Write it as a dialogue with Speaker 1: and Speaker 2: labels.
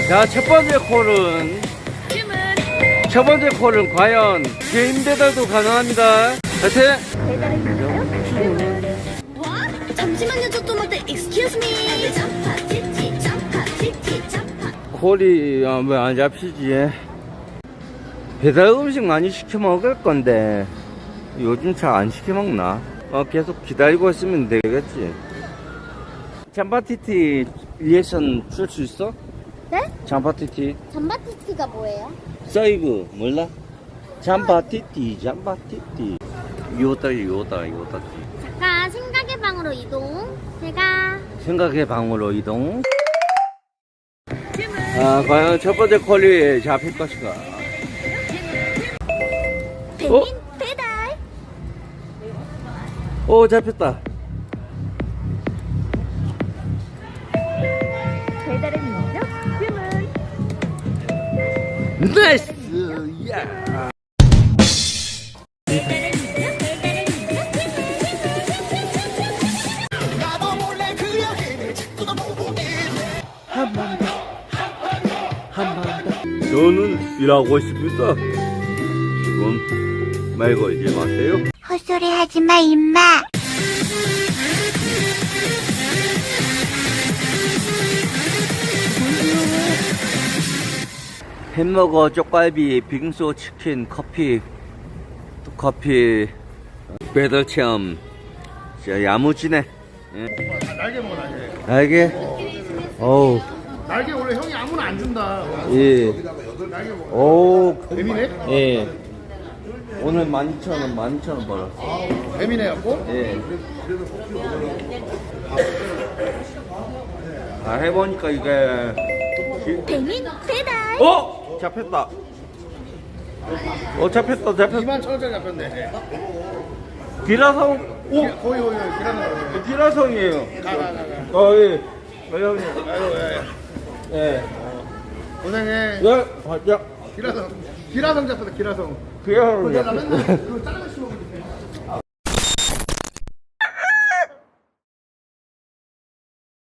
Speaker 1: 자, 첫 번째 콜은 과연 개인 배달도 가능합니다. 하여튼
Speaker 2: 와? 잠시만요, 저 토마토. Excuse me.
Speaker 1: 콜이 왜 안 잡히지? 배달 음식 많이 시켜 먹을 건데 요즘 잘 안 시켜 먹나? 계속 기다리고 있으면 되겠지. 잠바티티 리액션 줄 수 있어?
Speaker 2: 네?
Speaker 1: 잠바티티
Speaker 2: 잠바티티가 뭐예요?
Speaker 1: 서이브 몰라? 잠바티티 요다
Speaker 2: 잠깐 생각의 방으로 이동. 제가
Speaker 1: 생각의 방으로 이동. 과연 첫 번째 콜이 잡힐 것인가?
Speaker 2: 배민 배달.
Speaker 1: 오, 잡혔다.
Speaker 2: 배달의 민족 주문.
Speaker 1: 나이스! 야! 한 번 더. 저는 일하고 있습니다. 지금 말 걸지 마세요.
Speaker 2: 헛소리 하지 마, 임마.
Speaker 1: 햄버거, 쪽갈비, 빙수, 치킨, 커피 배달 체험. 진짜 야무지네. 예.
Speaker 3: 날개 먹어 날개.
Speaker 1: 날개? 어우.
Speaker 3: 날개 원래 형이 아무나 안 준다.
Speaker 1: 예.
Speaker 3: 날개 먹어.
Speaker 1: 오.
Speaker 3: 뱀이네?
Speaker 1: 예. 오늘 12,000원 벌었어.
Speaker 3: 뱀이네 갖고.
Speaker 1: 예. 해보니까 이게.
Speaker 2: 배민 배달.
Speaker 1: 잡혔다. 잡혔다.
Speaker 3: 21,000원짜리 잡혔네.
Speaker 1: 기라성?
Speaker 3: 거의 기라는
Speaker 1: 기라성이에요.
Speaker 3: 거.
Speaker 1: 예. 형님.
Speaker 3: 아이고
Speaker 1: 예.
Speaker 3: 고생해.
Speaker 1: 예.
Speaker 3: 기라성 잡혔다 기라성.
Speaker 1: 기라성
Speaker 3: 나
Speaker 1: 잡혔다.
Speaker 3: 맨날 그 짜장면 씹어